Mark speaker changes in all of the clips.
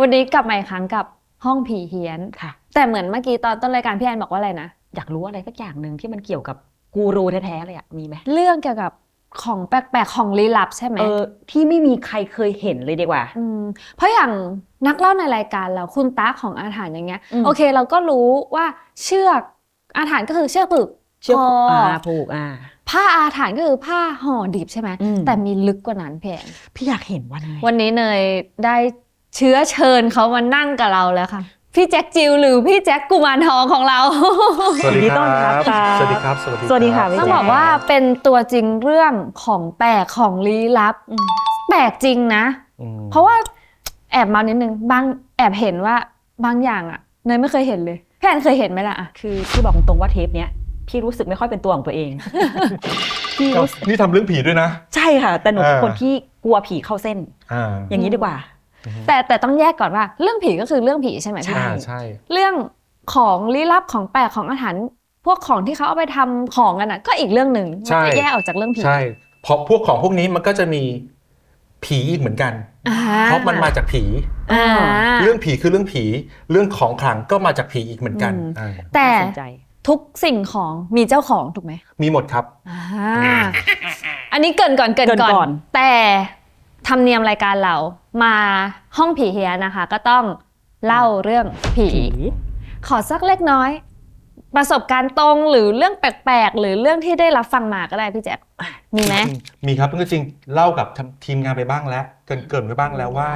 Speaker 1: วันนี้กลับมาอีกครั้งกับห้องผีเฮี้ยน
Speaker 2: ค่ะ
Speaker 1: แต่เหมือนเมื่อกี้ตอนต้นรายการพี่แอนบอกว่าอะไรนะ
Speaker 2: อยากรู้อะไรสักอย่างหนึ่งที่มันเกี่ยวกับกูรูแท้ๆเลยอะมีไหม
Speaker 1: เรื่องเกี่ยวกับของแปลกๆของลี้ลับใช่ไหม
Speaker 2: ที่ไม่มีใครเคยเห็นเลยดีกว่า
Speaker 1: เพราะอย่างนักเล่าในรายการเราคุณตาของอาถรรพ์อย่างเงี้ยโอเคเราก็รู้ว่าเชือกอาถรรพ์ก็คือเชือกผูก
Speaker 2: ผูก
Speaker 1: ผ้าอาถรรพ์ก็คือผ้าห่อดิบใช่ไหมแต่มีลึกกว่านั้น
Speaker 2: พี่อยากเห็น
Speaker 1: วันนี้เนยได้เชื้อเชิญเขามานั่งกับเราแล้วค่ะพี่แจ็คจิวหรือพี่แจ็คกุมารทองของเรา
Speaker 3: สวัสดีครับ
Speaker 2: สวัสดีครับสวัสดีค่ะ
Speaker 1: ต้องบอกว่าเป็นตัวจริงเรื่องของแปลกของลี้ลับแปลกจริงนะเพราะว่าแอบมานิดนึงบางแอบเห็นว่าบางอย่างอ่ะเนยไม่เคยเห็นเลยพี่แอนเคยเห็นไหมล่ะ
Speaker 2: คือพี่บอกตรงว่าเทปเนี้ยพี่รู้สึกไม่ค่อยเป็นตัวของตัวเอง
Speaker 3: พี่นี่ทำเรื่องผีด้วยนะ
Speaker 2: ใช่ค่ะแต่หนูเป็นคนที่กลัวผีเข้าเส้นอย่างนี้ดีกว่า
Speaker 1: แต่ต้องแยกก่อนว่าเรื่องผีก็คือเรื่องผีใช่ไหมพี่
Speaker 3: ใช่
Speaker 1: เรื่องของลี้ลับของแปลกของอาถรรพ์พวกของที่เขาเอาไปทำของกันอ่ะก็อีกเรื่องหนึ่งมันจะแยกออกจากเรื่องผี
Speaker 3: ใช่เพราะพวกของพวกนี้มันก็จะมีผีอีกเหมือนกันเพราะมันมาจากผีเรื่องผีคือเรื่องผีเรื่องของขลังก็มาจากผีอีกเหมือนกัน
Speaker 1: แต่ทุกสิ่งของมีเจ้าของถูกไหม
Speaker 3: มีหมดครับ
Speaker 1: อันนี้เกินก่อนแต่ธรรมเนียมรายการเรามาห้องผีเฮียนะคะก็ต้องเล่าเรื่องผีขอสักเล็กน้อยประสบการณ์ตรงหรือเรื่องแปลกๆหรือเรื่องที่ได้รับฟังมาก็ได้พี่แจ๊คมีไหม
Speaker 3: มีครับจริงๆเล่ากับทีมงานไปบ้างแล้วเกินไปบ้างแล้วว่า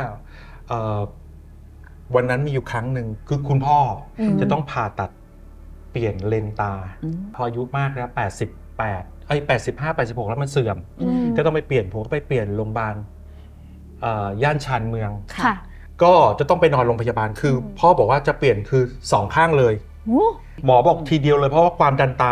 Speaker 3: วันนั้นมีอยู่ครั้งหนึ่งคือคุณพ่อจะต้องผ่าตัดเปลี่ยนเลนตาพออายุมากแล้ว85 86แล้วมันเสื่อมก็ต้องไปเปลี่ยนผมก็ไปเปลี่ยนโรงพยาบาลย่านชานเมืองก็จะต้องไปนอนโรงพยาบาลคือพ่อบอกว่าจะเปลี่ยนคือ2ข้างเลยหมอบอกทีเดียวเลยเพราะว่าความดันตา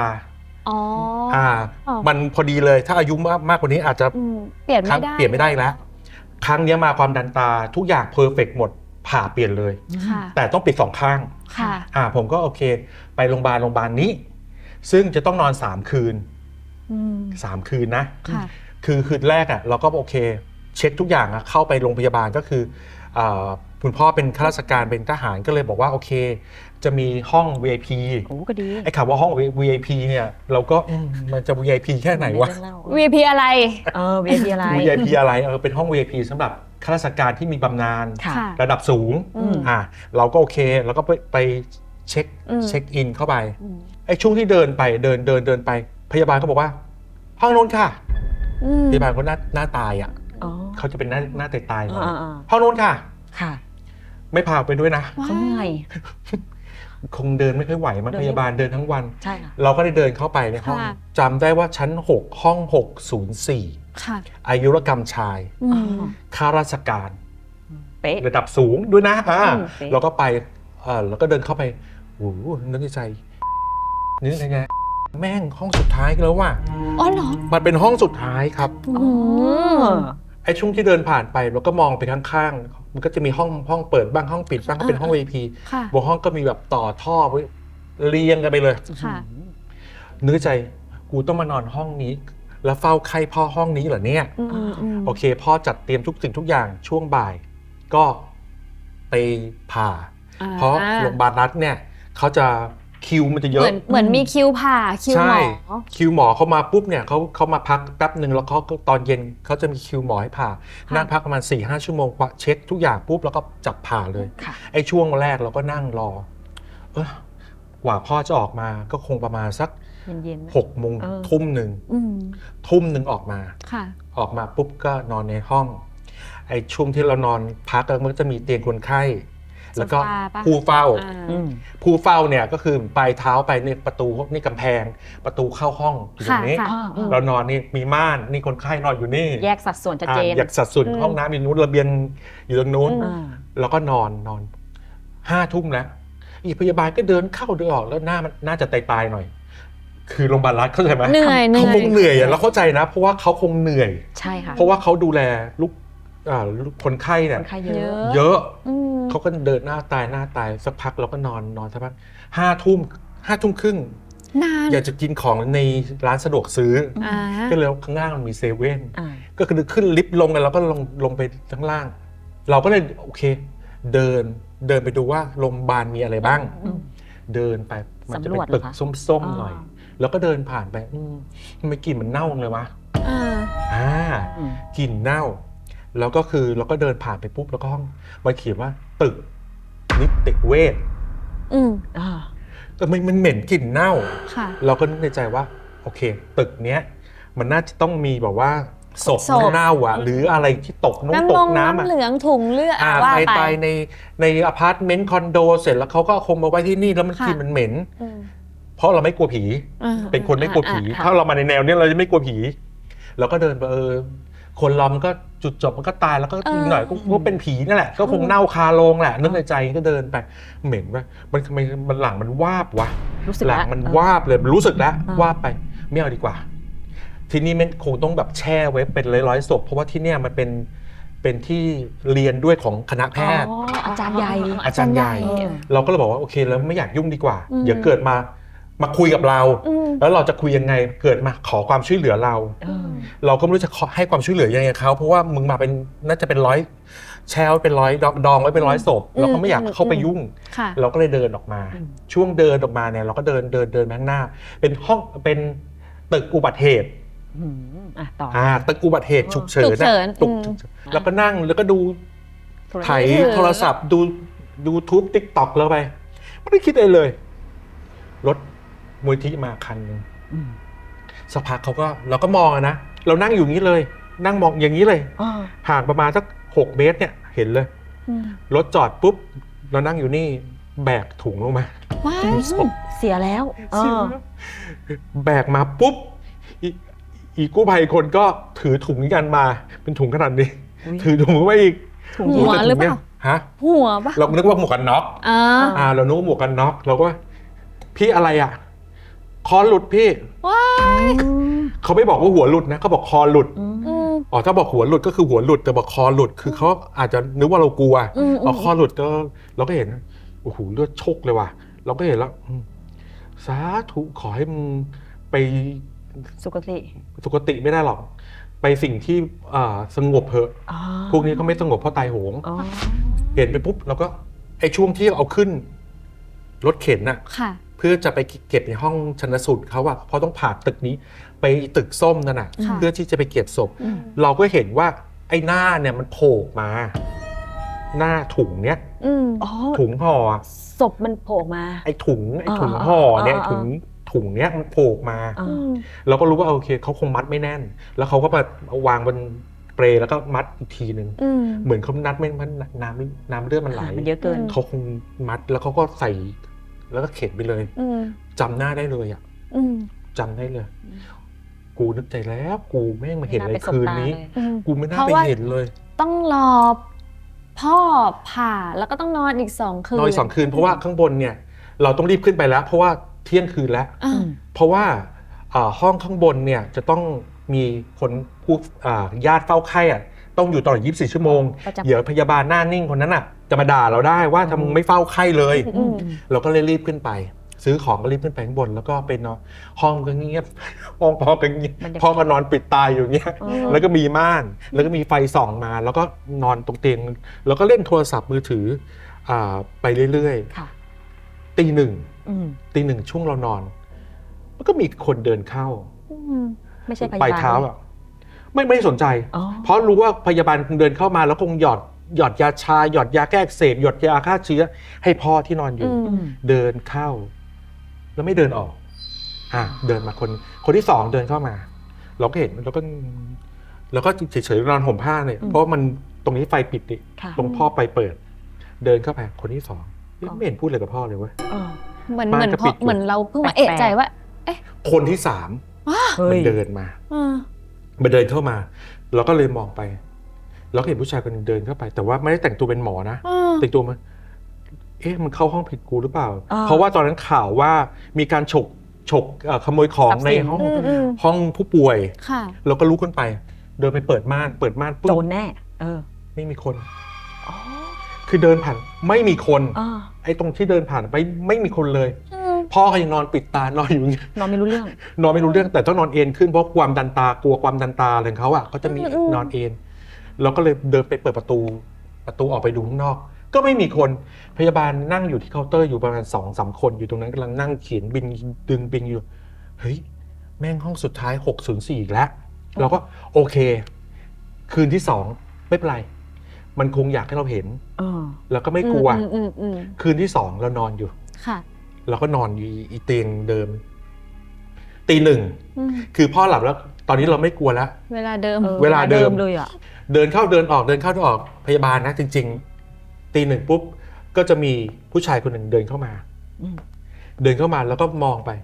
Speaker 3: มันพอดีเลยถ้าอายุมากกว่านี้อาจจะ
Speaker 1: เปลี่ยน
Speaker 3: ไม่ได้แล้วครั้งนี้มาความดันตาทุกอย่างเพอร์เฟกต์หมดผ่าเปลี่ยนเลยแต่ต้องปิด2ข้างผมก็โอเคไปโรงพยาบาลนี้ซึ่งจะต้องนอน3 คืน3 คืนนะคือคืนแรกเราก็โอเคเช็คทุกอย่างเข้าไปโรงพยาบาลก็คือคุณพ่อเป็นข้าราชการเป็นทหารก็เลยบอกว่าโอเคจะมีห้อง VIP
Speaker 2: ก็ดี
Speaker 3: ไอ้คำว่าห้อง VIP เนี่ยเราก็มันจะ VIP แค่ไหนวะ
Speaker 1: VIP อะไร
Speaker 2: VIP อะไร
Speaker 3: VIP อะไรเป็นห้อง VIP สำหรับข้าราชการที่มีบำนาญระดับสูงเราก็โอเคเราก็ไปเช็คอินเข้าไปไอ้ช่วงที่เดินไปเดินไปพยาบาลก็บอกว่าห้องโน้นค่ะพยาบาลก็หน้าตายเขาจะเป็นหน้าตายห้องโน้นค่ะไม่พาไปด้วยนะ
Speaker 2: เขาเหนื่อย
Speaker 3: คงเดินไม่ค่อยไหวมั้งพยาบาลเดินทั้งวัน
Speaker 2: ใช่
Speaker 3: เราก็ได้เดินเข้าไปในห้องจำได้ว่าชั้น6ห้อง604อายุรกรรมชายข้าราชการระดับสูงด้วยนะเราก็ไปเราก็เดินเข้าไปโอ้โหนึกในใจนี่ไงแม่งห้องสุดท้ายแล้วว่ะ
Speaker 1: อ๋อเหรอ
Speaker 3: มันเป็นห้องสุดท้ายครับไอ้ช่วงที่เดินผ่านไปเราก็มองไปข้างๆมันก็จะมีห้องเปิดบ้างห้องปิดบ้างก็เป็นห้อง VIP บนห้องก็มีแบบต่อท่อไว้เรียงกันไปเลยนึกใจกูต้องมานอนห้องนี้แล้วเฝ้าไข้พ่อห้องนี้เหรอเนี่ยโอเคพ่อจัดเตรียมทุกสิ่งทุกอย่างช่วงบ่ายก็ไปผ่าเพราะโรงพยาบาลรัฐเนี่ยเขาจะคิวมันจะเยอะ
Speaker 1: เหมือนมีคิวผ่าคิวหมอ
Speaker 3: คิวหมอเขามาปุ๊บเนี่ยเขามาพักแป๊บนึงแล้วเขาตอนเย็นเขาจะมีคิวหมอให้ผ่านั่งพักประมาณ 4-5 ชั่วโมงเช็คทุกอย่างปุ๊บแล้วก็จับผ่าเลยไอ้ช่วงแรกเราก็นั่งรอกว่าพ่อจะออกมาก็คงประมาณสัก6 โมงทุ่มหนึ่งออกมาปุ๊บก็นอนในห้องไอ้ช่วงที่เรานอนพักมันก็จะมีเตียงคนไข้แล้วก็ผู้เฝ้าเนี่ยก็คือปลายเท้าไปในประตูนี่กำแพงประตูเข้าห้องอยู่ตรงนี้เรานอนนี่มีม่านนี่คนไข้นอนอยู่นี่
Speaker 2: แยกสัดส่วนชัดเจน
Speaker 3: แยกสัดส่วนห้องน้ำอยู่นู้นระเบียงอยู่ตรงนู้นแล้วก็นอน5 ทุ่มแล้วอีพยาบาลก็เดินเข้าเดินออกแล้วหน้ามันน่าจะตายหน่อยคือโรงพยาบาลรัฐเข้าใจไหมเขาคงเหนื่อยเราเข้าใจนะเพราะว่าเขาคงเหนื่อย
Speaker 2: ใช่ค่ะ
Speaker 3: เพราะว่าเขาดูแลลูกคนไข้เนี่ยเยอะเขาก็เดินหน้าตายสักพักเราก็นอนสักพัก5 ทุ่มครึ่งอยากจะกินของในร้านสะดวกซื้อก็เลยข้างล่างมันมีเซเว่นก็คือขึ้นลิฟต์ลงกันแล้วก็ลงไปข้างล่างเราก็เลยโอเคเดินไปดูว่าโรงพยาบาลมีอะไรบ้าง เดินไปมันจะเป็นตึกส้มๆหน่อย แล้วก็เดินผ่านไปทำไมกลิ่นมันเน่าเลยวะกลิ่นเน่าแล้วก็คือเราก็เดินผ่านไปปุ๊บแล้วก็ห้องมันเขียนว่าตึกนิติเวชมันเหม็นกลิ่นเน่าเราก็นึกในใจว่าโอเคตึกเนี้ยมันน่าจะต้องมีแบบว่าศพเน่าอ่ะหรืออะไรที่ตกตกน้ำ
Speaker 1: น้ำเหลืองถุงเลือดว่าไป
Speaker 3: ในอพาร์ตเมนต์คอนโดเสร็จแล้วเขาก็เอาคงมาไว้ที่นี่แล้วมันกลิ่นมันเหม็นเพราะเราไม่กลัวผีเป็นคนไม่กลัวผีถ้าเรามาในแนวนี้เราจะไม่กลัวผีเราก็เดินไปคนเรามันก็จุดจบมันก็ตายแล้วก็อีกหน่อยก็เป็นผีนั่นแหละก็คงเน่าคาโลงแหละนึกในใจก็เดินไปเหม็นว่ามันทำไมมันหลังมันวาบวะหลังมันวาบเลยรู้สึกแล้ววาบไปไม่เอาดีกว่าที่นี่มันคงต้องแบบแช่ไว้เป็นร้อยๆศพเพราะว่าที่เนี่ยมันเป็นที่เรียนด้วยของคณะแพทย์
Speaker 2: อาจารย์ใหญ่
Speaker 3: เราก็เลยบอกว่าโอเคแล้วไม่อยากยุ่งดีกว่าเดี๋ยวเกิดมาคุยกับเราแล้วเราจะคุยยังไงเกิดมาขอความช่วยเหลือเราก็ไม่รู้จะให้ความช่วยเหลือยังไงเขาเพราะว่ามึงมาเป็นน่าจะเป็นร้อยแช่ไว้เป็นร้อยดองไว้เป็นร้อยศพเราก็ไม่อยากเข้าไปยุ่งเราก็เลยเดินออกมาช่วงเดินออกมาเนี่ยเราก็เดินข้างหน้าเป็นห้องเป็นตึกอุบัติเหตุตึกอุบัติเหตุฉุกเฉินแล้วก็นั่งแล้วก็ดูถ่ายโทรศัพท์ดูทูบติ๊กต็อกแล้วไปไม่ได้คิดอะไรเลยรถมูลที่มาคันนึงสักพักเราก็มองนะเรานั่งอยู่อย่างนี้เลยนั่งมองอย่างนี้เลยห่างประมาณสัก6 เมตรเนี่ยเห็นเลยรถจอดปุ๊บเรานั่งอยู่นี่แบกถุงลงมา
Speaker 2: เสียแล้ว
Speaker 3: แบกมาปุ๊บอีกู้ภัยคนก็ถือถุงกันมาเป็นถุงขนาดนี้ถือถุงไว้อีก
Speaker 1: หัวหรือเปล่าหัวปะ
Speaker 3: เรานึกว่าหมวกกันน็อกเรานึกว่าหมวกกันน็อกเราก็พี่อะไรอ่ะคอหลุดพี่เขาไม่บอกว่าหัวหลุดนะเขาบอกคอหลุดถ้าบอกหัวหลุดก็คือหัวหลุดแต่บอกคอหลุดคือเขาอาจจะนึกว่าเรากลัวคอหลุดก็เราก็เห็นโอ้โหเลือดโชกเลยว่ะเราก็เห็นแล้วสาธุขอให้มึงไป
Speaker 2: สุ
Speaker 3: คติไม่ได้หรอกไปสิ่งที่สงบเถอะพวกนี้เขาไม่สงบเพราะตายโหงเห็นไปปุ๊บเราก็ไอ้ช่วงที่เอาขึ้นรถเข็นน่ะเพื่อจะไปเก็บในห้องชันสูตรเขาอะเพราะต้องผ่าตึกนี้ไปตึกส้มนั่นน่ะเพื่อที่จะไปเก็บศพเราก็เห็นว่าไอ้หน้าเนี่ยมันโผล่มาหน้าถุงเนี้ยถุงห่อ
Speaker 2: ศพมันโผล่มา
Speaker 3: ไอ้ถุงห่อเนี่ยถุงเนี้ยมันโผล่มาเราก็รู้ว่าโอเคเขาคงมัดไม่แน่นแล้วเขาก็มาวางบนเปรแล้วก็มัดอีกทีนึงเหมือนเขานัดไม่มันน้ำเลือดมันไหล
Speaker 2: มันเยอะเกิน
Speaker 3: เขาคงมัดแล้วเขาก็ใส่แล้วก็เข็นไปเลยจำหน้าได้เลยอ่ะจำได้เลยกูนึกใจแล้วกูแม่งมาเห็นอะไรคืนนี้กูไม่น่าไปเห็นเลย
Speaker 1: ต้องรอพ่อผ่าแล้วก็ต้องนอนอีก2 คืน
Speaker 3: นอนอีก2 คืนเพราะว่าข้างบนเนี่ยเราต้องรีบขึ้นไปแล้วเพราะว่าเที่ยงคืนแล้วเพราะว่าห้องข้างบนเนี่ยจะต้องมีคนผู้ญาติเฝ้าไข้อ่ะต้องอยู่ตลอด24 ชั่วโมงเดี๋ยวพยาบาลหน้านิ่งคนนั้นอ่ะจะมาด่าเราได้ว่าทำไมไม่เฝ้าไข้เลยเราก็เลยรีบขึ้นไปซื้อของก็รีบขึ้นไปข้างบนแล้วก็เป็นห้องก็เงียบห้องพ่อก็เงียบพ่อก็นอนปิดตาอยู่เงี้ยแล้วก็มีม่านแล้วก็มีไฟส่องมาแล้วก็นอนตรงเตียงแล้วก็เล่นโทรศัพท์มือถือไปเรื่อยๆตีหนึ่งช่วงเรานอนมันก็มีคนเดินเข้า
Speaker 2: ไม่ใช่พยาบาล
Speaker 3: ปลายเท้าอ่ะไม่สนใจเพราะรู้ว่าพยาบาลคงเดินเข้ามาแล้วคงหยอดยาชาหยอดยาแก้อักเสบหยอดยาฆ่าเชื้อให้พ่อที่นอนอยู่เดินเข้าแล้วไม่เดินออกเดินมาคนที่2เดินเข้ามาเราก็เห็นแล้วก็เฉยๆนอนห่มผ้าเนี่ยเพราะมันตรงนี้ไฟปิดดิตรงพ่อไปเปิดเดินเข้าไปคนที่2ไม่เห็นพูดอะไรกับพ่อเลยเว้ย
Speaker 1: เหมือนเราเพิ่งมาเอะใจว่า
Speaker 3: คนที่3มันเดินมาเดินเข้ามาเราก็เลยมองไปเราก็เห็นผู้ชายคนนึงเดินเข้าไปแต่ว่าไม่ได้แต่งตัวเป็นหมอนะแต่งตัวมันมันเข้าห้องผิดกูหรือเปล่าเพราะว่าตอนนั้นข่าวว่ามีการฉกขโมยของในห้องผู้ป่วยเราก็ลุกขึ้นไปเดินไปเปิดม่านปุ๊บ
Speaker 2: โดนแน่
Speaker 3: ไม่มีคนคือเดินผ่านไม่มีคนไอ้ตรงที่เดินผ่านไปไม่มีคนเลยพ่อก็ยังนอนปิดตานอนอยู่อย่างเงี้ย
Speaker 2: นอนไม่รู้เ
Speaker 3: รื่องแต่ต้องนอนเอนขึ้นเพราะความดันตากลัวความดันตาอะไรของเขาอ่ะเขาจะมีนอนเอนเราก็เลยเดินไปเปิดประตูออกไปดูข้างนอกก็ไม่มีคนพยาบาลนั่งอยู่ที่เคาน์เตอร์อยู่ประมาณ2-3 คนอยู่ตรงนั้นกำลังนั่งเขียนบินดึงบินอยู่เฮ้ยแม่งห้องสุดท้าย604อีกแล้วเราก็โอเคคืนที่2ไม่เป็นไรมันคงอยากให้เราเห็นแล้วก็ไม่กลัวคืนที่2เรานอนอยู่
Speaker 1: ค่ะ
Speaker 3: เราก็นอนอยู่อีเตียงเดิมตี 1คือพ่อหลับแล้วตอนนี้เราไม่กลัวแล้ว
Speaker 1: เวลาเดิม
Speaker 2: เลยอ่ะ
Speaker 3: เดินเข้าเดินออกเดินเข้าเดินออกพยาบาลนะจริงๆตี 1ปุ๊บก็จะมีผู้ชายคนหนึ่งเดินเข้ามาแล้วก็มองไป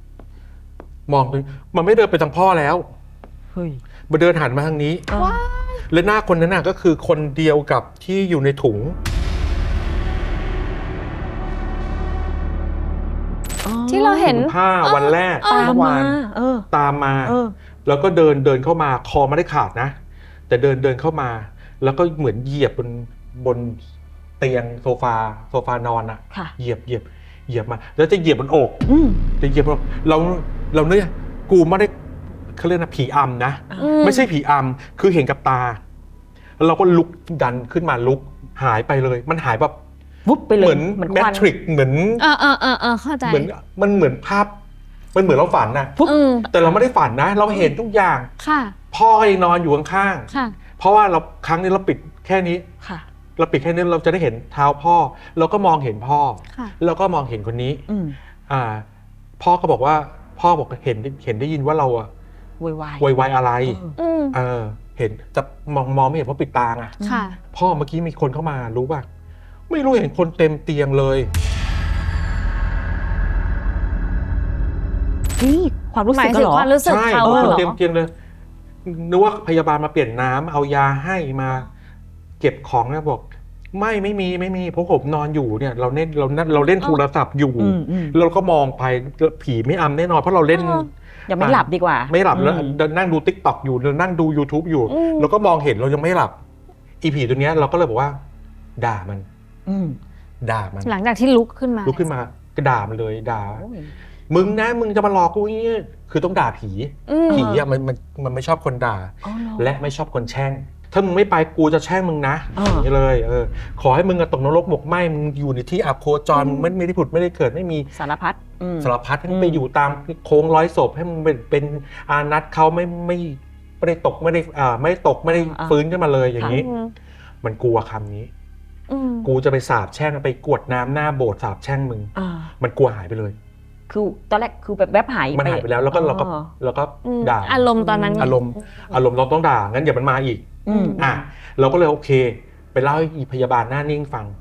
Speaker 3: มันไม่เดินไปทางพ่อแล้วมันเดินหันมาทางนี้และหน้าคนนั้นน่ะก็คือคนเดียวกับที่อยู่ในถุง
Speaker 1: ที่เราเห็น
Speaker 3: ผ้าวันแรกเมื่อวานตามมาแล้วก็เดินเข้ามาคอไม่ได้ขาดนะแต่เดินเข้ามาแล้วก็เหมือนเหยียบบนเตียงโซฟานอนอะเหยียบมาแล้วจะเหยียบบนอกจะเหยียบบนอกเราเนี่ยกูไม่ได้เขาเรียกนะผีอำนะไม่ใช่ผีอำคือเห็นกับตาแล้วเราก็ลุกดันขึ้นมาลุกหายไปเลยมันหายแบบ
Speaker 2: วุบไปเลย
Speaker 3: เหมือนแมทริกเหมือน
Speaker 1: เข้าใจ
Speaker 3: มันเหมือนภาพมันเหมือนเราฝันนะแต่เราไม่ได้ฝันนะเราเห็นทุกอย่างพ่อยังนอนอยู่ข้างๆเพราะว่าเราครั้งนี้เราปิดแค่นี้เราปิดแค่นี้เราจะได้เห็นเท้าพ่อเราก็มองเห็นพ่อแล้วก็มองเห็นคนนี้พ่อก็บอกว่าพ่อบอกเห็นได้ยินว่าเราอะ
Speaker 2: วาย
Speaker 3: อะไรเห็นจะมองไม่เห็นเพราะปิดตาไงพ่อเมื่อกี้มีคนเข้ามารู้ป่ะไม่รู้เห็นคนเต็มเตียงเลย
Speaker 2: นี่ความรู้สึกเหรอ
Speaker 1: ความรู้สึกเขา
Speaker 3: เหรอเต็มเตียงเลยนึกว่าพยาบาลมาเปลี่ยนน้ำเอายาให้มาเก็บของนะบอกไม่มีเพราะผมนอนอยู่เนี่ยเราเล่นโทรศัพท์อยู่เราก็มองไปผีไม่อำแน่นอนเพราะเราเล่น
Speaker 2: ยังไม่หลับดีกว่า
Speaker 3: ไม่หลับแล้วนั่งดู TikTok อยู่นั่งดู YouTube อยู่แล้วก็มองเห็นเรายังไม่หลับอีผีตัวเนี้ยเราก็เลยบอกว่าด่ามัน
Speaker 1: หลังจากที่ลุกขึ้นมา
Speaker 3: ก็ด่ามันเลยด่ามึงจะมาหลอกกูนี่คือต้องด่าผีอ่ะมันไม่ชอบคนด่าและไม่ชอบคนแช่งถ้ามึงไม่ไปกูจะแช่งมึงนะอย่างนี้เลยขอให้มึงตกนรกหมกไหม้มึงอยู่ในที่อับโคจรไม่ได้ผุดไม่ได้เกิดไม่มี
Speaker 2: สารพัด
Speaker 3: ให้มึงไปอยู่ตามโค้งร้อยศพให้มึงเป็นอานัตเขาไม่ได้ตกไม่ได้ฟื้นขึ้นมาเลยอย่างนี้มันกลัวคำนี้กูจะไปสาบแช่งไปกวดน้ำหน้าโบสถ์สาบแช่งมึงมันกลัวหายไปเลย
Speaker 2: คือตอนแรกคือแบบแวบหาย
Speaker 3: มันหายไปแล้วแล้วก็ด่า
Speaker 1: อารมณ์ตอนนั้น
Speaker 3: อารมณ์เราต้องด่างั้นอย่ามันมาอีกเราก็เลยโอเคไปเล่าให้พยาบาลหน้านิ่งฟัง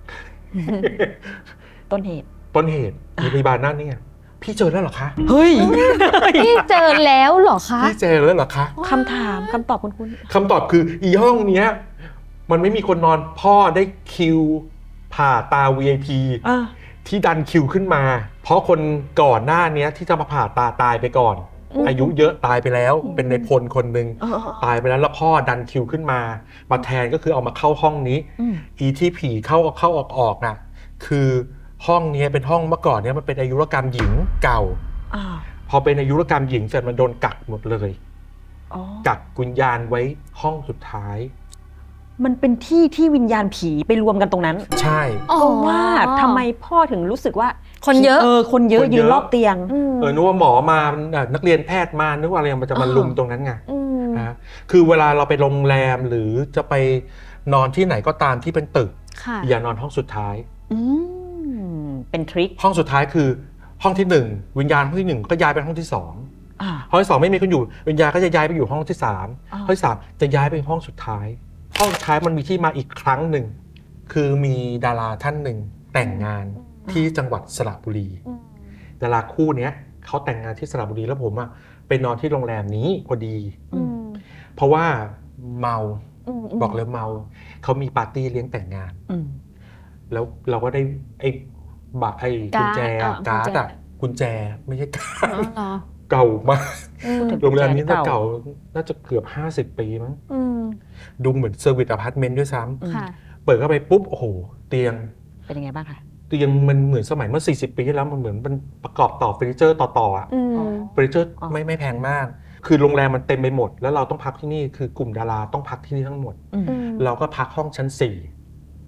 Speaker 2: ต้นเหตุ
Speaker 3: มีพยาบาลหน้านิ่งพี่เจอแล้วเหรอคะ
Speaker 2: เฮ้ย
Speaker 1: พี่เจอแล้วเหรอคะ
Speaker 3: พี่เจอแล้วเหรอคะ
Speaker 2: คำถามคำตอบคุณ
Speaker 3: คำตอบคืออีห้องเนี้ยมันไม่มีคนนอนพ่อได้คิวผ่าตา VIP ที่ดันคิวขึ้นมาเพราะคนก่อนหน้านี้ที่จะมาผ่าตาตายไปก่อนอายุเยอะตายไปแล้วเป็นในพลคนหนึ่งตายไปแล้วพ่อดันคิวขึ้นมาแทนก็คือเอามาเข้าห้องนี้อีที่ผีเข้าออกน่ะคือห้องนี้เป็นห้องเมื่อก่อนเนี้ยมันเป็นอายุรกรรมหญิงเก่าพอเป็นอายุรกรรมหญิงเสร็จมันโดนกักหมดเลยกักวิญญาณไว้ห้องสุดท้าย
Speaker 2: มันเป็นที่วิญญาณผีไปรวมกันตรงนั้น
Speaker 3: ใช่
Speaker 2: ก็ว่าทำไมพ่อถึงรู้สึกว่า
Speaker 1: คนเยอะ
Speaker 2: ยืนรอบเตียง
Speaker 3: นึกว่าหมอมานักเรียนแพทย์มานึกว่าอะไรมันจะมาลุมตรงนั้นไงคือเวลาเราไปโรงแรมหรือจะไปนอนที่ไหนก็ตามที่เป็นตึกอย่านอนห้องสุดท้าย
Speaker 2: เป็นทริค
Speaker 3: ห้องสุดท้ายคือห้องที่1วิญญาณห้องที่1ก็ย้ายไปห้องที่2ห้องที่2ไม่มีคนอยู่วิญญาณก็จะย้ายไปอยู่ห้องที่3ห้องที่3จะย้ายไปห้องสุดท้ายห้องสุดท้ายมันมีที่มาอีกครั้งหนึ่งคือมีดาราท่านหนึ่งแต่งงานที่จังหวัดสระบุรีดาราคู่นี้เขาแต่งงานที่สระบุรีแล้วผมอะไปนอนที่โรงแรมนี้พอดีเพราะว่าเมาบอกเลยเมาเขามีปาร์ตี้เลี้ยงแต่งงานแล้วเราก็ได้ไอ้กุญแจการ์ดอะกุญแจไม่ใช่การ์ดเก่ามากโรงแรมนี้น่าเก่าน่าจะเกือบ50 ปีมั้งดูเหมือนเซอร์วิสอพาร์ตเมนต์ด้วยซ้ำเปิดเข้าไปปุ๊บโอ้โหเตียง
Speaker 2: เป็นยังไงบ้างคะ
Speaker 3: เตียงมันเหมือนสมัยเมื่อ40 ปีที่แล้วมันเหมือนมันประกอบต่อเฟอร์นิเจอร์ต่ออ่ะเฟอร์นิเจอร์ไม่แพงมากคือโรงแรมมันเต็มไปหมดแล้วเราต้องพักที่นี่คือกลุ่มดาราต้องพักที่นี่ทั้งหมดเราก็พักห้องชั้น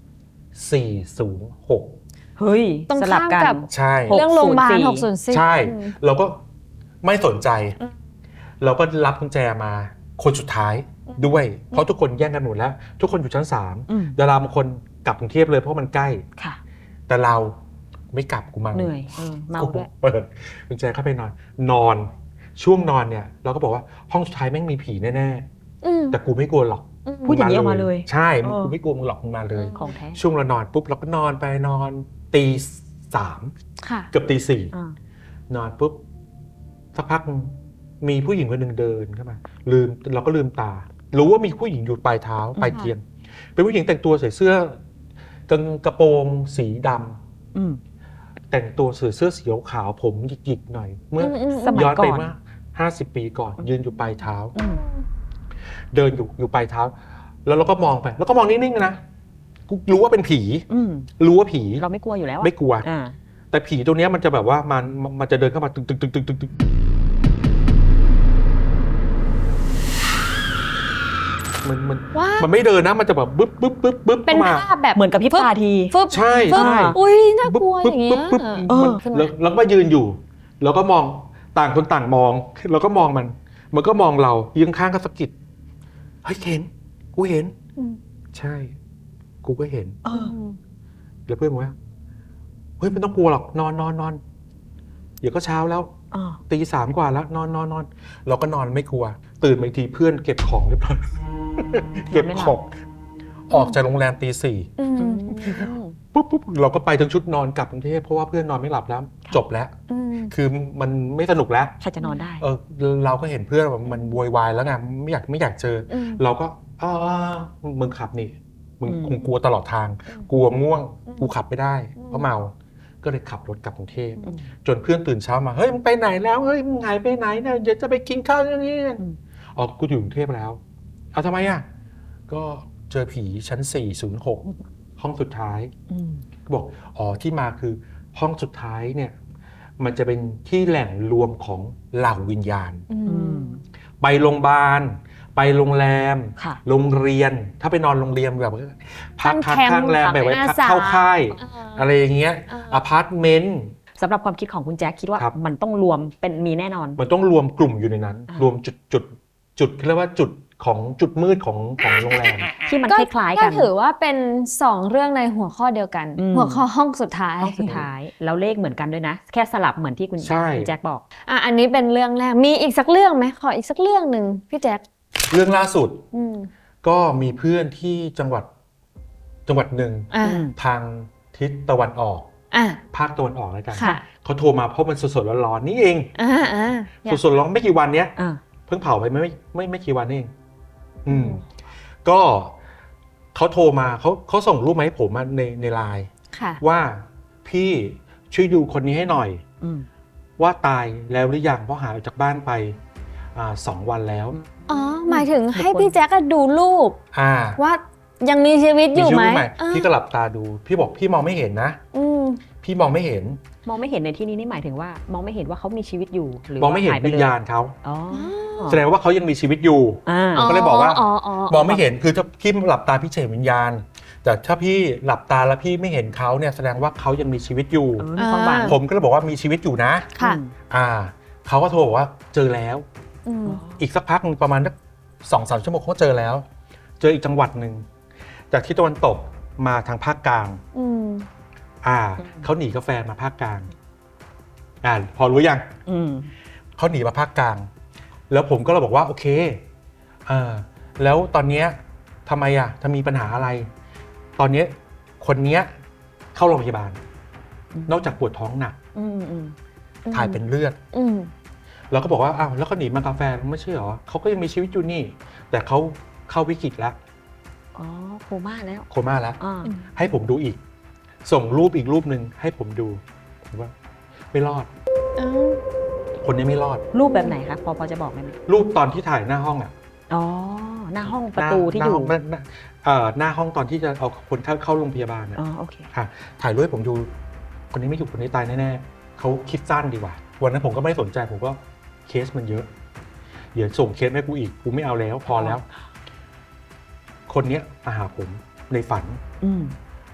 Speaker 3: 406
Speaker 2: เฮ้ย
Speaker 1: ตรง
Speaker 2: สลับ
Speaker 1: ข้าม
Speaker 2: กั
Speaker 1: กับ
Speaker 2: น
Speaker 3: ใช่
Speaker 1: เรื่องโรงพยาบาล
Speaker 2: 604
Speaker 1: 604
Speaker 3: ใช่
Speaker 1: อืม
Speaker 3: เราก็ไม่สนใจ
Speaker 1: อืม
Speaker 3: เราก็รับกุญแจมาคนสุดท้ายด้วย เพราะทุกคนแย่งกันหมดแล้ว ทุกคนอยู่ชั้น
Speaker 2: อืม
Speaker 3: 3ดาราบางคนกลับกรุงเทพเลยเพราะมันใกล้
Speaker 2: ค่ะ
Speaker 3: แต่เราไม่กลับกูมา
Speaker 2: เหนื่อยเมาด้วย
Speaker 3: เปิดกุญแจเข้าไปนอนช่วงนอนเนี่ยเราก็บอกว่าห้องสุดท้ายแม่งมีผีแน่
Speaker 1: อืม
Speaker 3: ๆแต่กูไม่กลัวหรอก
Speaker 1: อืม
Speaker 2: พูดอย่างนี้ออกมาเลย
Speaker 3: ใช่
Speaker 2: เออ
Speaker 3: กูไม่กลัวมึงหรอกมึงมาเลย
Speaker 2: ของแท้
Speaker 3: ช่วงเรานอนปุ๊บเราก็นอนไปนอนตี 3
Speaker 1: ค่ะ
Speaker 3: เกือบตี
Speaker 2: อ่า
Speaker 3: 4นอนปุ๊บสักพักมีผู้หญิงคนหนึ่งเดินเข้ามาเราก็ลืมตา รู้ว่ามีผู้หญิงอยู่ปลายเท้าปลายเตียง เป็นผู้หญิงแต่งตัวใส่เสื้อกระโปรงสีดำ
Speaker 2: อืม
Speaker 3: แต่งตัวใส่เสื้อสีขาวผมหยิกๆหน่อย เมื่อ
Speaker 2: สมัย
Speaker 3: ย้อนไป
Speaker 2: ก่อน
Speaker 3: เมื่อ50 ปีก่อน ยืนอยู่ปลายเท้า
Speaker 2: อืม
Speaker 3: เดินอยู่ปลายเท้า แล้วเราก็มองไป แล้วก็มองนิ่งๆนะกูรู้ว่าเป็นผี
Speaker 2: อืม
Speaker 3: รู้ว่าผี
Speaker 2: เราไม่กลัวอยู่แล้วอะ
Speaker 3: ไม่กลัว
Speaker 2: อ่า
Speaker 3: แต่ผีตัวเนี้ยมันจะแบบว่ามันจะเดินเข้ามาตึกมัน
Speaker 1: ว้า
Speaker 3: มันไม่เดินนะมันจะแบบบึ๊บ
Speaker 1: เป็น
Speaker 3: เข้ามา
Speaker 1: ภาพแบบ
Speaker 2: เหมือนกับพริบตาที
Speaker 1: ฟึบ
Speaker 3: ใช่
Speaker 1: ฟึบ
Speaker 3: ใช่
Speaker 1: อุ้ยน่ากลัวอย่างเงี้ย
Speaker 2: เออ
Speaker 1: ขึ้นมา
Speaker 3: แล้วก็ยืนอยู่ แล้วก็มองต่างคนต่างมองแล้วก็มองมันก็มองเรายืนข้างก็สะกิดเฮ้ยเห็นกูเห็น
Speaker 1: อืม
Speaker 3: ใช่ กูก็เห็น
Speaker 2: เออ
Speaker 3: แล้วเพื่อนบอกว่าเฮ้ยไม่ต้องกลัวหรอกนอนเดี๋ยวก็เช้าแล้ว
Speaker 2: อ่า
Speaker 3: ตี 3กว่าแล้วนอนเราก็นอนไม่กลัว ตื่นมาอีกทีเพื่อนเก็บของเรียบร้อย เก็บของออกจากโรงแรมตี 4
Speaker 1: อืม
Speaker 3: ปุ๊บเราก็ไปทั้งชุดนอนกลับกรุงเทพเพราะว่าเพื่อนนอนไม่หลับแล้ว จบแล้ว
Speaker 1: อืม
Speaker 3: คือมันไม่สนุกแล้ว
Speaker 2: ใครจะนอนได้
Speaker 3: เราก็เห็นเพื่อนแบบมันโวยวายแล้วไงไม่อยากเจอ
Speaker 1: อืม
Speaker 3: เราก็มึงขับนี่มึง
Speaker 2: อืม
Speaker 3: คงกลัวตลอดทาง กลัวง่วงกูขับไม่ได้
Speaker 1: อืม
Speaker 3: เพราะเมาก็เลยขับรถกลับกรุงเทพ
Speaker 2: อืม
Speaker 3: จนเพื่อนตื่นเช้ามาเฮ้ยมึงไปไหนแล้วเฮ้ยมึงหายไปไหนเนี่ยเดี๋ยวจะไปกินข้าวนี่
Speaker 2: อืม
Speaker 3: อ๋อกูอยู่กรุงเทพแล้วเอาทำไมอ่ะก็เจอผีชั้น 406 ห้องสุดท้าย
Speaker 2: อืม
Speaker 3: บอกอ๋อที่มาคือห้องสุดท้ายเนี่ยมันจะเป็นที่แหล่งรวมของเหล่าวิญญาณ
Speaker 1: อื
Speaker 2: อื
Speaker 1: ม
Speaker 2: ม
Speaker 3: ไปโรงพยาบาลไปโรงแรม
Speaker 2: ค่ะ
Speaker 3: โรงเรียนถ้าไปนอนโรงเรียนแบบพัก
Speaker 1: ตั้งแคมป์
Speaker 3: ข้างแรมแบบไว้
Speaker 1: อา
Speaker 3: พัก
Speaker 1: สา
Speaker 3: เข้าค่าย
Speaker 1: อ่า
Speaker 3: อะไรอย่างเงี้ย
Speaker 1: อ่า
Speaker 3: อพาร์ตเมนต์
Speaker 2: สำหรับความคิดของคุณแจ็คคิดว่า
Speaker 3: ครับ
Speaker 2: มันต้องรวมเป็นมีแน่นอน
Speaker 3: มันต้องรวมกลุ่มอยู่ในนั้น
Speaker 2: อ่าร
Speaker 3: วมจุดเรียกว่าจุดของจุดมืดของโรงแรม
Speaker 2: ที่มัน
Speaker 1: ก็
Speaker 2: คล้ายๆ
Speaker 1: ก็
Speaker 2: กัน
Speaker 1: ถือว่าเป็น2เรื่องในหัวข้อเดียวกัน
Speaker 2: อืม
Speaker 1: หัวข้อห้องสุดท้าย
Speaker 2: ห้องสุดท้าย แล้วเลขเหมือนกันด้วยนะ แค่สลับเหมือนที่คุณ
Speaker 3: ใช่
Speaker 2: แจ็คบอก
Speaker 1: อันนี้เป็นเรื่องแรกมีอีกสักเรื่องไหมขออีกสักเรื่องหนึ่งพี่แจ๊ค
Speaker 3: เรื่องล่าสุด
Speaker 1: อืม
Speaker 3: ก็มีเพื่อนที่จังหวัดหนึ่ง
Speaker 1: อ่า
Speaker 2: อืม
Speaker 3: ทางทิศตะวันออก
Speaker 1: อ่า
Speaker 3: ภาคตะวันออกแล้วกัน
Speaker 1: ค่ะ
Speaker 3: เขาโทรมาเพราะมันสดๆร้อนๆนี่เอง
Speaker 1: อยาก
Speaker 3: สดๆร้อนไม่กี่วันเนี้ย
Speaker 2: อ่า
Speaker 3: เพิ่งเผาไปไม่กี่วันเองก็เขาโทรมาเขาส่งรูปมาให้ผมอะในไลน์
Speaker 1: ค่ะ
Speaker 3: ว่าพี่ช่วยดูคนนี้ให้หน่อย
Speaker 2: อืม
Speaker 3: ว่าตายแล้วหรือยังเพราะหายออกจากบ้านไป2 วันแล้ว
Speaker 1: อ๋อหมายถึงให้พี่แจ๊คอะดูรูป
Speaker 3: อ่า
Speaker 1: ว่ายังมีชีวิตอยู่ไหม
Speaker 3: ชื่ใหม่
Speaker 1: อ่า
Speaker 3: พี่ก็หลับตาดู พี่บอกพี่มองไม่เห็นนะ
Speaker 1: อืม
Speaker 3: พี่มองไม่เห็น
Speaker 2: มองไม่เห็นในที่นี้นี่หมายถึงว่า มองไม่เห็นว่าเขามีชีวิตอยู่หรือ
Speaker 3: มองไม่เห็น
Speaker 2: หายไป
Speaker 3: วิ
Speaker 2: เล
Speaker 3: ญ
Speaker 2: ย
Speaker 3: ญาณเขา
Speaker 2: อ๋อ
Speaker 3: แสดงว่าเขายังมีชีวิตอยู่
Speaker 2: อ่า
Speaker 3: ก็เลยบอกว่า มองไม่
Speaker 1: เห็น
Speaker 3: เห็นคือถ้าพี่หลับตาพี่เห็นวิญญาณ แต่ถ้าพี่หลับตาแล้วพี่ไม่เห็นเขาเนี่ยแสดงว่าเขายังมีชีวิตอยู่
Speaker 2: มีความหวัง
Speaker 3: ผมก็เลยบอกว่ามีชีวิตอยู่นะ
Speaker 1: ค่ะ
Speaker 3: เขาก็โทรบอกว่าเจอแล้ว
Speaker 1: อืม
Speaker 3: อีกสักพักหนึ่งประมาณสัก2-3 ชั่วโมงเขาเจอแล้ว เจออีกจังหวัดหนึ่งจากที่ตะวันตกมาทางภาคกลาง
Speaker 1: อืม
Speaker 3: เขาหนีกาแฟมาภาคกลางพอรู้ยัง
Speaker 2: อืม
Speaker 3: เขาหนีมาภาคกลาง แล้วผมก็เลยบอกว่าโอเคแล้วตอนเนี้ยทำไมถ้ามีปัญหาอะไร ตอนเนี้ยคนเนี้ยเข้าโรงพยาบาล นอกจากปวดท้องหนัก
Speaker 2: อืมอืม
Speaker 3: ถ่ายเป็นเลือด
Speaker 1: อืม
Speaker 3: เราก็บอกว่าอ้าวแล้วเขาหนีมากาแฟไม่ใช่เหรอเขาก็ยังมีชีวิตอยู่นี่ แต่เขาเข้าวิกฤตแล้ว
Speaker 2: อ๋อโคม่าแล้ว
Speaker 3: โคม่าแล้ว
Speaker 2: อ่า
Speaker 3: ให้ผมดูอีก ส่งรูปอีกรูปหนึ่งให้ผมดูผมว่าไม่รอด
Speaker 1: อ้าว
Speaker 3: คนนี้ไม่รอด
Speaker 2: รูปแบบไหนคะพอจะบอกได้ไหม
Speaker 3: รูปตอนที่ถ่ายหน้าห้อง
Speaker 2: อ๋อหน้าห้องประตูที่อยู่
Speaker 3: หน้าห้องตอนที่จะเอาคนเข้าโรงพยาบาล
Speaker 2: อ๋อโอเค
Speaker 3: ถ่ายรูปให้ผมดู คนนี้ไม่อยู่คนนี้ตายแน่ๆเขาคิดสั้นดีกว่าวันนั้นผมก็ไม่สนใจผมก็เคสมันเยอะเดี๋ยวส่งเคสให้กูอีกกูไม่เอาแล้วพอแล้ว คนเนี้ยมาหาผมในฝัน
Speaker 2: อืม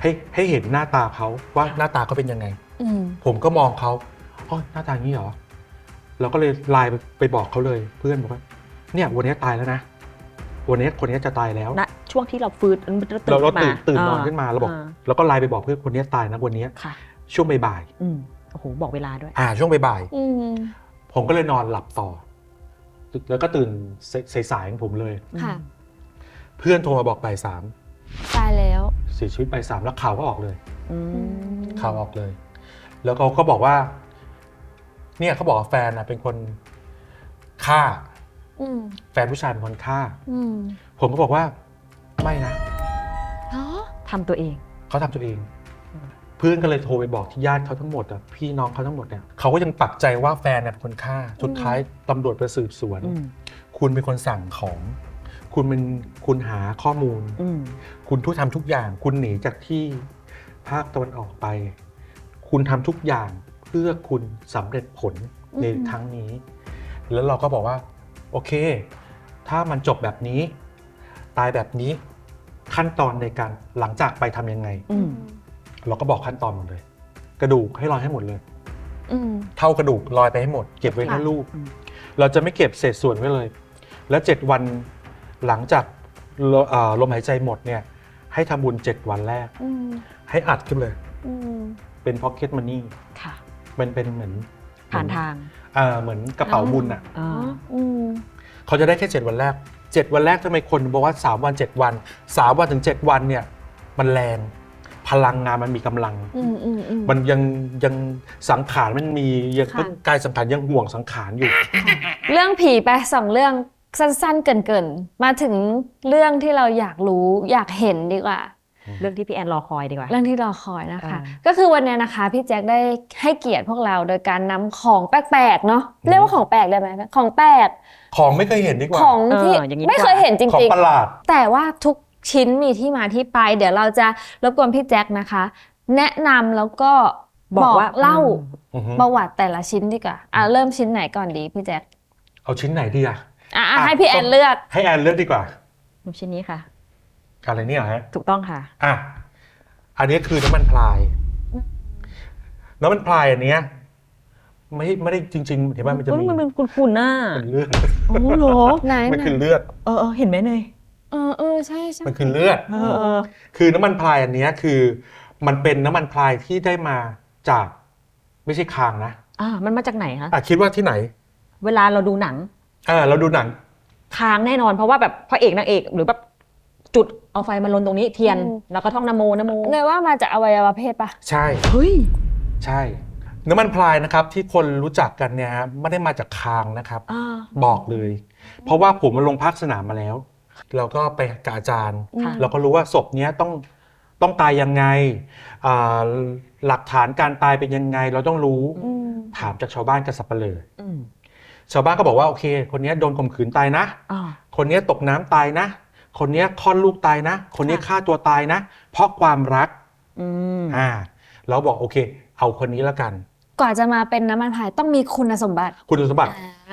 Speaker 3: ให้เห็นหน้าตาเขาว่าหน้าตาเขาเป็นยังไง
Speaker 1: อืม
Speaker 3: ผมก็มองเขาอ๋อหน้าตาอย่างนี้เหรอเราก็เลยไลน์ไปบอกเขาเลยเพื่อนบอกว่าเนี่ยวันนี้ตายแล้วนะวันนี้คนนี้จะตายแล้ว
Speaker 2: ณช่วงที่เราฟื้น
Speaker 3: เรา
Speaker 2: ขึ้นมา
Speaker 3: ตื่นนอนขึ้นมาเราบอกแล้วก็ไลน์ไปบอกเพื่อนคนนี้ตายนะวันนี้
Speaker 2: ค่ะ
Speaker 3: ช่วงบ่าย
Speaker 2: โอ้โหบอกเวลาด้วย
Speaker 3: ช่วงบ่าย
Speaker 1: อืม
Speaker 3: ผมก็เลยนอนหลับต่อแล้วก็ตื่นสายๆของผมเลย
Speaker 1: ค่ะ
Speaker 3: เพื่อนโทรมาบอกบ่ายสาม
Speaker 1: ตายแล้ว
Speaker 3: เสียชีวิตบ่ายสามแล้วข่าวก็ออกเลย
Speaker 2: อืม
Speaker 3: ข่าวออกเลย แล้วเขาก็บอกว่า เนี่ยเขาบอกว่าแฟนเป็นคนฆ่า
Speaker 1: อืม
Speaker 3: แฟนผู้ชายเป็นคนฆ่า
Speaker 1: อืม
Speaker 3: ผมก็บอกว่าไม่นะ
Speaker 1: เนาะ
Speaker 2: ทำตัวเอง
Speaker 3: เขาทำตัวเอง เพื่อนก็เลยโทรไปบอกที่ญาติเขาทั้งหมดพี่น้องเขาทั้งหมดเนี่ยเขาก็ยังปักใจว่าแฟนเป็นคนฆ่าสุดท้ายตำรวจไปสืบสวน คุณเป็นคนสั่งของ คุณหาข้อมูล คุณทำทุกอย่าง คุณหนีจากที่ภาคตะวันออกไป คุณทำทุกอย่างเพื่อคุณสำเร็จผลในครั้งนี้ แล้วเราก็บอกว่าโอเค ถ้ามันจบแบบนี้ ตายแบบนี้ขั้นตอนในการหลังจากไปทำยังไง เราก็บอกขั้นตอนหมดเลย กระดูกให้ลอยให้หมดเลย
Speaker 1: อืม
Speaker 3: เท่ากระดูกลอยไปให้หมด เก็บไว้ให้ลูก เราจะไม่เก็บเศษส่วนไว้เลย แล้ว7 วันหลังจากลมหายใจหมดเนี่ยให้ทำบุญ7 วันแรก
Speaker 1: อืม
Speaker 3: ให้อัดขึ้นเลย
Speaker 1: อืม
Speaker 3: เป็น pocket money
Speaker 2: ค่ะ
Speaker 3: มันเป็นเหมือน
Speaker 2: ผ่านทาง
Speaker 3: เหมือนกระเป๋าบุญอ่ะ
Speaker 2: อ่า
Speaker 1: อืม
Speaker 3: เขาจะได้แค่7 วันแรก7 วันแรกทำไมคนบอกว่า3 วัน7 วัน3 วันถึง7 วันเนี่ยมันแรงพลังงานมันมีกำลัง
Speaker 1: อืมอืมอืม
Speaker 3: มันยังสังขารมันมียัง
Speaker 1: ค่ะ
Speaker 3: กายสังขารยังห่วงสังขารอยู่
Speaker 1: เรื่องผีไป2 เรื่องสั้นๆเกินๆมาถึงเรื่องที่เราอยากรู้อยากเห็นดีกว่า
Speaker 2: เรื่องที่พี่แอนรอคอยดีกว่า
Speaker 1: เรื่องที่รอคอยนะคะ
Speaker 2: อ่า
Speaker 1: ก็คือวันนี้นะคะพี่แจ็คได้ให้เกียรติพวกเราโดยการนำของแปลกๆเนาะเรียกว่าของแปลกได้ไหมของแปลก
Speaker 3: ของไม่เคยเห็นดีกว่า
Speaker 1: ของที่
Speaker 2: อย่างนี้
Speaker 1: ไม่เคยเห็นจ
Speaker 3: ของ
Speaker 1: ริง
Speaker 3: ประหลาด
Speaker 1: ๆ แต่ว่าทุกชิ้นมีที่มาที่ไป เดี๋ยวเราจะรบกวนพี่แจ็คนะคะ แนะนำแล้วก็
Speaker 2: บอกว่า
Speaker 1: เล่า
Speaker 3: อือฮึ
Speaker 1: ประวัติแต่ละชิ้นดีกว่าเริ่มชิ้นไหนก่อนดีพี่แจ็ค
Speaker 3: เอาชิ้นไหนดีอะ
Speaker 1: ให้พี่แอนเลือก
Speaker 3: ให้แอนเลือกดีกว่า
Speaker 2: ชิ้นนี้ค่ะ
Speaker 3: อะไรเนี่ยเหรอฮะ
Speaker 2: ถูกต้องค่ะ
Speaker 3: อันนี้คือน้ำมันพลายน้ำมันพลายอันเนี้ยไม่ได้จริงๆเห็นไหมมันจะมี
Speaker 2: มันเป็นคุณน่ะ
Speaker 3: เป็นเลือด
Speaker 2: โอ้โห
Speaker 1: ไหน
Speaker 3: มันคือเลือด
Speaker 2: เห็นไหมเนย
Speaker 1: ใช่ใช่
Speaker 3: มันคือเลือด คือน้ำมันพลายอันเนี้ยคือมันเป็นน้ำมันพลายที่ได้มาจากไม่ใช่คางนะ
Speaker 2: มันมาจากไหนคะ
Speaker 3: คิดว่าที่ไหน
Speaker 2: เวลาเราดูหนัง
Speaker 3: เราดูหนัง
Speaker 2: ค้างแน่นอนเพราะว่าแบบพระเอกนางเอกหรือแบบจุดเอาไฟมาลนตรงนี้เทียน แล้วก็ท่องนะโมนะโม
Speaker 1: เนยว่ามาจากอวัยวะเพศปะ
Speaker 3: ใช่
Speaker 2: เฮ้ย
Speaker 3: ใช่ น้ำมันพลายนะครับที่คนรู้จักกันเนี่ยฮะไม่ได้มาจากคางนะครับ บอกเลย เพราะว่าผมมาลงภาคสนามมาแล้วเราก็ไปกับอาจารย์
Speaker 2: ค่ะ
Speaker 3: เราก็รู้ว่าศพเนี้ยต้องตายยังไงหลักฐานการตายเป็นยังไง เราต้องรู้ถามจากชาวบ้านกับสับปะเลอชาวบ้านก็บอกว่าโอเคคนนี้โดนข่มขืนตายนะ คนนี้ตกน้ำตายนะ คนนี้คลอดลูกตายนะ คนนี้ฆ่าตัวตายนะ เพราะความรักเราบอกโอเค เอาคนนี้แล้วกัน
Speaker 1: กว่าจะมาเป็นน้ำมันพายต้องมีคุณสมบัติ
Speaker 3: คุณสมบัติ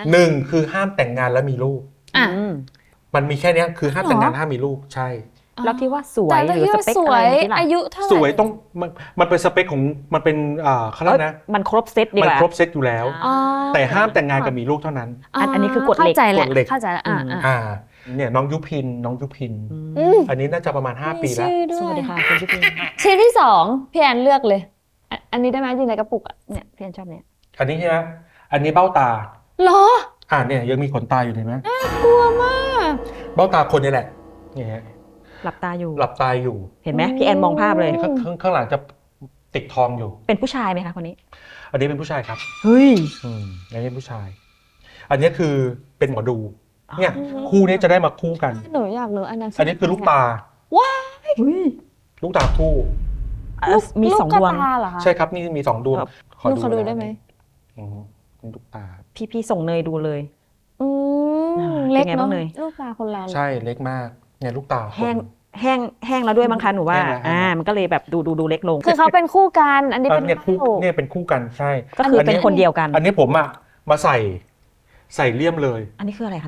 Speaker 3: 1คือห้ามแต่งงานและมีลูก มันมีแค่นี้คือห้ามแต่งงานห้ามมีลูกใช่
Speaker 2: แล้วที่ว่าสว
Speaker 1: แต่
Speaker 2: ยหรือ
Speaker 1: ที่
Speaker 2: ส
Speaker 1: ว่า
Speaker 2: เปค
Speaker 1: ส
Speaker 2: อะ
Speaker 1: ว
Speaker 2: ไร
Speaker 1: ย
Speaker 2: ที่ล่ะ
Speaker 1: อายุเท่าไหร่
Speaker 3: สวยต้องมันเป็นสเปคของมันเป็นเขาเรียกนะ
Speaker 2: มันครบเซตดี
Speaker 3: มัน
Speaker 2: กว่า
Speaker 3: ครบเซตอยู่แล้ว แต่ห้ามแต่งงานกับมีลูกเท่านั้น
Speaker 2: อันนี้คือกฎเหล็ก
Speaker 1: เข้าใจแหละ
Speaker 3: กฎเหล็ก
Speaker 1: เข้าใจแล้ว
Speaker 3: เนี่ยน้องยุพินอันนี้น่าจะประมาณ5 ปีแล้ว
Speaker 1: มีชื่อด้
Speaker 2: ส
Speaker 1: ย
Speaker 2: วัสดีค่ะคุณพี่ปิง
Speaker 1: ชิ้นที่2พี่แอนเลือกเลย อันนี้ได้ไหมอยู่ในกระปุกอ่ะ
Speaker 2: เนี่ยพี่แอนชอบเนี่ย
Speaker 3: อันนี้ใช่ไหมอันนี้เบ้าตา
Speaker 1: เหรอ
Speaker 3: เนี่ยยังมีขนตาอยู่เห็นไหม
Speaker 1: กลัวมาก
Speaker 3: เบ้าตาคนนี่แหละเนี่ย
Speaker 2: หลับตาอยู่
Speaker 3: หลับตาอยู่
Speaker 2: เห็นไหมพี่แอนมองภาพเลย
Speaker 3: ข้างหลังจะติดทองอยู่
Speaker 2: เป็นผู้ชายไหมคะคนนี้
Speaker 3: อันนี้เป็นผู้ชายครับ
Speaker 2: เฮ้ย
Speaker 3: อันนี้เป็นผู้ชาย อันนี้คือเป็นหมอดูเนี่ยคู่นี้จะได้มาคู่กัน
Speaker 1: หนูอยากรู้อันนั้น
Speaker 3: อันนี้คือลูกตา
Speaker 1: ว้า
Speaker 2: เฮ้ย
Speaker 3: ลูกตาคู่
Speaker 2: มี
Speaker 1: ลูก
Speaker 2: สอง
Speaker 1: กระ
Speaker 2: ดวง
Speaker 1: ตาเหรอคะ
Speaker 3: ใช่ครับนี่มี2 ดวง
Speaker 1: ลูกขอดูได้ไหม
Speaker 3: เป็นลูกตา
Speaker 2: พี่ส่งเนยดูเลย
Speaker 1: เล็ก
Speaker 2: เป็นไงบ้า
Speaker 1: เนาะ
Speaker 2: งเนย
Speaker 1: ลูกตาคนเรา
Speaker 3: ใช่เล็กมากเนี่ยลูกตาคน
Speaker 2: แห้งแล้วด้วยมั้งคะหนูว่า
Speaker 3: แห้งแล้ว
Speaker 2: มันก็เลยแบบดูเล็กลง
Speaker 1: คือเขาเป็นคู่กันอันนี้เป็น
Speaker 3: เนี่ยคู่
Speaker 1: เบ้า
Speaker 3: เนี่ยเป็นคู่กันใช่
Speaker 2: ก็คือเป็นคนเดียวกัน
Speaker 3: อันนี้ผมมาใส่เลี่ยมเลย
Speaker 2: อันนี้คืออะไรคะเนี่ย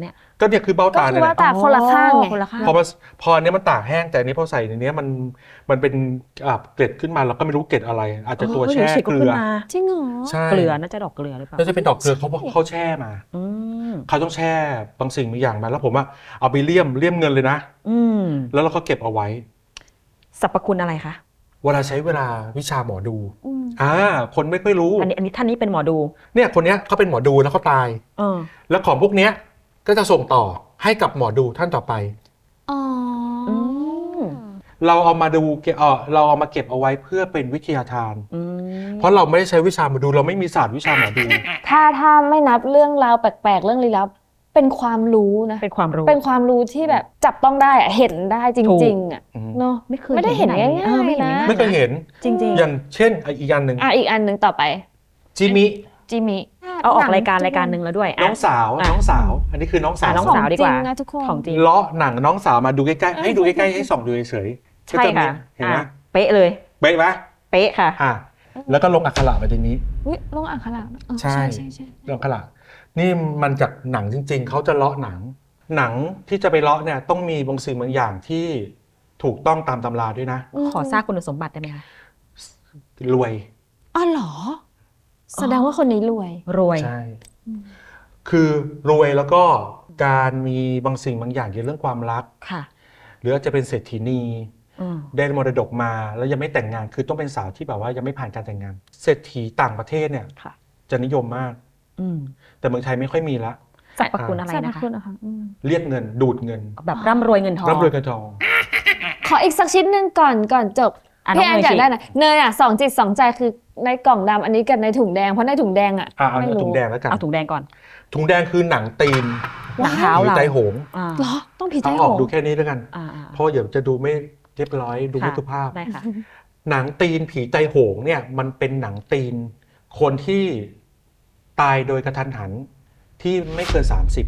Speaker 3: ก็เนี่ยคือเบ้า
Speaker 1: ก็
Speaker 3: ตา
Speaker 1: คื
Speaker 3: เนี่
Speaker 1: อย ว่า
Speaker 3: แหละ
Speaker 1: ตาคนละข้างไง
Speaker 2: คนละข้าง
Speaker 3: พออันเนี้ยมันตากแห้งแต่อันนี้พอใส่ในเนี้ยมันเป็นเกล็ดขึ้นมาเราก็ไม่รู้เกล็ดอะไร อาจจะตัวแช่
Speaker 2: ฉีก
Speaker 3: เกลื
Speaker 2: ขึ้น
Speaker 3: อ
Speaker 2: มา
Speaker 1: จริงเหรอ
Speaker 3: ใช่
Speaker 2: เกลือน่าจะดอกเกลือหรือเปล่า
Speaker 3: น่าจะเป็นดอกเกลือเขาแช่มา
Speaker 2: อืม
Speaker 3: เขาต้องแช่บางสิ่งบางอย่างมาแล้วผมเอาไปเลี่ยมเงินเลยนะ
Speaker 2: อืม
Speaker 3: แล้วเราก็เก็บเอาไว้
Speaker 2: สรรพคุณอะไรคะ
Speaker 3: เวลาใช้เวลาวิชาหมอดู
Speaker 1: อืม
Speaker 3: คนไม่ค่อยรู้
Speaker 2: อันนี้ท่านนี้เป็นหมอดู
Speaker 3: เนี่ยคนเนี้ยเขาเป็นหมอดูแล้วเขาตาย
Speaker 2: เออ
Speaker 3: แล้วของพวกเนี้ยก็จะส่งต่อให้กับหมอดูท่านต่อไป
Speaker 1: อ๋ออ
Speaker 2: ม
Speaker 3: เราเอามาดูเราเอามาเก็บเอาไว้เพื่อเป็นวิทยาทาน
Speaker 2: อืม
Speaker 3: เพราะเราไม่ได้ใช้วิชาหมอดูเราไม่มีศาสตร์วิชาหมอดู
Speaker 1: ถ้าไม่นับเรื่องราวแปลกๆ เรื่องลี้ลับเป็นความรู้นะ
Speaker 2: เป็นความรู้
Speaker 1: เป็นความรู้ที่แบบจับต้องได้อะเห็นได้จ
Speaker 2: ถูก
Speaker 1: ริงๆอะ
Speaker 3: อืม
Speaker 1: เนาะ
Speaker 2: ไม่เคย
Speaker 1: ไม่ได้เห็นง่ายๆ
Speaker 2: เออไม่เห็น
Speaker 1: นะ
Speaker 2: ง่ายๆ
Speaker 3: ไม่เคยเห็น
Speaker 2: จริง
Speaker 3: อย่างเช่นอีกอย่างหนึ่ง
Speaker 1: อีกอันหนึ่งต่อไป
Speaker 3: จิมิ
Speaker 1: จิมิ
Speaker 2: ๆ เอาออกรายการหนึ่งแล้วด้วย
Speaker 3: น้องสาว
Speaker 2: อ่ะ
Speaker 3: น้องสาว อันนี้คือน้องสาว
Speaker 2: น้อง
Speaker 1: ของ
Speaker 2: สาวดีกว่า
Speaker 1: จริงนะทุกคน
Speaker 2: ของจริง
Speaker 3: เลาะหนังน้องสาวมาดูใกล้ๆให้ดูใกล้ๆให้ส่องดูเฉยๆ
Speaker 2: ใช่
Speaker 3: ก็จมี
Speaker 2: ค่ะ
Speaker 3: เห็นไหม
Speaker 2: อ่ะเป๊ะเลย
Speaker 3: เป๊ะไหม
Speaker 2: เป๊ะค่ะ
Speaker 3: แล้วก็ลงอักขระไปตรงนี้
Speaker 1: อุ๊ยลงอ่างขลาดเออ
Speaker 3: ใช่
Speaker 1: ใช่ใช่
Speaker 3: ลงอักขระนี่มันจากหนังจริง ๆเขาจะเลาะหนังที่จะไปเลาะเนี่ยต้องมีบางสิ่งบางอย่างที่ถูกต้องตามตำราด้วยนะ
Speaker 2: ขอทราบคุณสมบัติได้ไหมคะ
Speaker 3: รวย
Speaker 1: อ๋อเหรอ แสดงว่าคนนี้รวย
Speaker 2: รวย
Speaker 3: ใช่ คือรวยแล้วก็การมีบางสิ่งบางอย่างเกี่ยวกับเรื่องความรัก
Speaker 2: ค่ะ
Speaker 3: หรืออาจจะเป็นเศรษฐีนี
Speaker 2: อืม
Speaker 3: ได้มรดกมาแล้วยังไม่แต่งงาน คือต้องเป็นสาวที่แบบว่ายังไม่ผ่านการแต่งงาน เศรษฐีต่างประเทศเนี่ย
Speaker 2: ค่ะ
Speaker 3: จะนิยมมาก
Speaker 2: อืม
Speaker 3: แต่เมืองไทยไม่ค่อยมีละ
Speaker 2: สรรพคุณอะไร
Speaker 1: สรรพ
Speaker 2: นะคะ
Speaker 1: คุณนะคะอืม
Speaker 3: เรียกเงินดูดเงิน
Speaker 2: แบบร่ำรวยเงินทอง
Speaker 3: ร่ำรวยเงินทอง
Speaker 1: ขออีกสักชิ้นหนึ่งก่อนจบ พี่แอนอยากได้นะเนยอ่ะสองจิตสองใจคือในกล่องดำอันนี้กับในถุงแดงเพราะในถุงแดงอ่ะ
Speaker 3: เอา
Speaker 1: ไม่รู้
Speaker 3: ถุงแดงแล้วกัน
Speaker 2: เอาถุงแดงก่อน
Speaker 3: ถุงแดงคือหนังตีน
Speaker 2: หนังเท้า
Speaker 3: หรือ
Speaker 2: เรา
Speaker 3: ไตโหง
Speaker 2: อ่า
Speaker 1: เหรอต้องผีใจ
Speaker 3: เอา
Speaker 1: โห
Speaker 3: ออก
Speaker 1: ง
Speaker 3: ดูแค่นี้แล้วกัน
Speaker 2: อ่า
Speaker 3: เพราะเดี๋ยวจะดูไม่เรียบร้อยดูไม่
Speaker 2: ค่ะ
Speaker 3: สุภาพ
Speaker 2: ได้ค่ะ
Speaker 3: หนังตีนผีไตโหงเนี่ยมันเป็นหนังตีน คนที่ตายโดยกระทันหันที่ไม่เกิน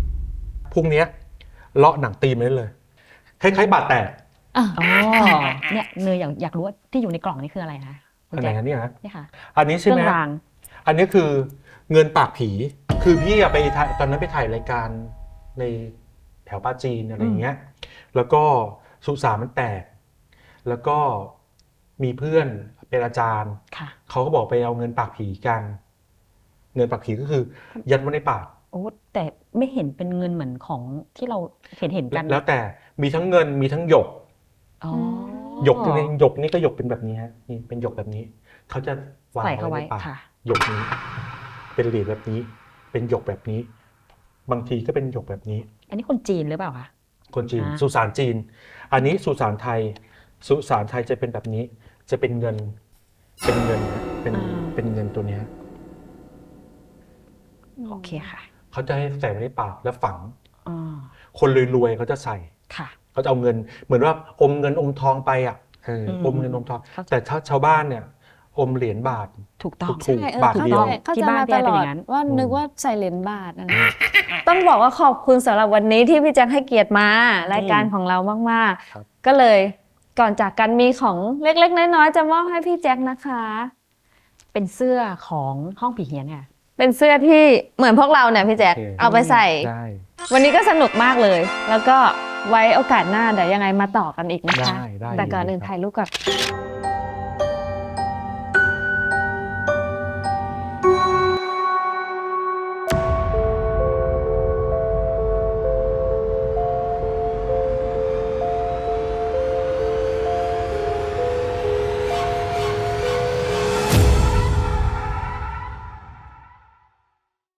Speaker 3: 30พรุ่งเนี้ยเลาะหนังตีนไปได้เลยคล้ายๆบาดแตก
Speaker 1: อ่ะ
Speaker 2: อ๋อ เนี่ยเนยอยากรู้ว่าที่อยู่ในกล่องนี่คืออะไรคะคุณ
Speaker 3: อันไหน
Speaker 2: แจ๊ค
Speaker 3: อันนี้ฮะ
Speaker 2: นี่ค่ะ
Speaker 3: อันนี้
Speaker 2: เค
Speaker 3: ใช่
Speaker 2: รื่
Speaker 3: ไหม
Speaker 2: องราง
Speaker 3: อันนี้คือเงินปากผี คือพี่อะไปถ่ายตอนนั้นไปถ่ายรายการในแถวปาจีนอะไรอย่างเงี้ย แล้วก็สุสานมันแตก แล้วก็มีเพื่อนเป็นอาจารย์
Speaker 2: ค่ะ
Speaker 3: เขาก็บอกไปเอาเงินปากผีกัน เงินปากผีก็คือยัดไว้ในปาก
Speaker 2: โอ้แต่ไม่เห็นเป็นเงินเหมือนของที่เราเห็นกัน
Speaker 3: แล้วแต่มีทั้งเงินมีทั้งหยก
Speaker 2: อ๋อ
Speaker 3: หยกนี่หยกนี่ก็หยกเป็นแบบนี้ฮะนี่เป็นหยกแบบนี้ เขาจะวาง
Speaker 2: ใส่เข้า
Speaker 3: ไว้
Speaker 2: ไว้
Speaker 3: ในปาก
Speaker 2: ค่ะ
Speaker 3: หยกนี้ เป็นเหรียญแบบนี้ เป็นหยกแบบนี้ บางทีก็เป็นหยกแบบนี้
Speaker 2: อันนี้คนจีนหรือเปล่าคะ
Speaker 3: คนจีน
Speaker 2: อ่า
Speaker 3: สุสานจีน อันนี้สุสานไทย สุสานไทยจะเป็นแบบนี้ จะเป็นเงิน เป็นเงินนะเป็นเงินตัวเนี้ย
Speaker 2: โอเคค่ะ
Speaker 3: เขาจะให้ใส่ไว้ในปากแล้วฝัง
Speaker 2: อ๋อ
Speaker 3: คนรวยๆเขาจะใส่
Speaker 2: ค่ะ
Speaker 3: เขาจะเอาเงิน เหมือนว่าอมเงินอมทองไปอ่ะอมเงินอมทอง
Speaker 2: เข้าใจ
Speaker 3: แต่ถ้าชาวบ้านเนี่ย อมเหรียญบาท
Speaker 2: ถูกต้อง
Speaker 3: ถูก
Speaker 1: ใช่
Speaker 3: บาทเดียว
Speaker 1: เข้า
Speaker 2: ที่
Speaker 1: ใจ
Speaker 2: บ้าน
Speaker 1: มา
Speaker 2: พี่
Speaker 1: ต
Speaker 2: แอน
Speaker 1: ล
Speaker 2: เป็น
Speaker 1: อ
Speaker 2: อ
Speaker 1: ด
Speaker 2: ย่างนั้น
Speaker 1: ว่านึกว่าใส่เหรียญบาทนะต้องบอกว่าขอบคุณสำหรับวันนี้ที่พี่แจ็คให้เกียรติมารายการของเรามาก
Speaker 3: ครับ
Speaker 1: ๆ ก็เลยก่อนจากกันมีของเล็กๆน้อยๆจะมอบให้พี่แจ็คนะคะ
Speaker 2: เป็นเสื้อของห้องผีเฮียนค่ะ
Speaker 1: เป็นเสื้อที่เหมือนพวกเราเนี่ยพี่แจ็ค
Speaker 3: โอเค
Speaker 1: เอาไปใส่
Speaker 3: ได้
Speaker 1: วันนี้ก็สนุกมากเลย แล้วก็ไว้โอกาสหน้าเดี๋ยวยังไงมาต่อกันอีกนะคะ
Speaker 3: ได้
Speaker 1: แต่ก่อน
Speaker 3: ดี
Speaker 1: อื่น
Speaker 3: ครับ
Speaker 1: ถ่ายรูปก่อน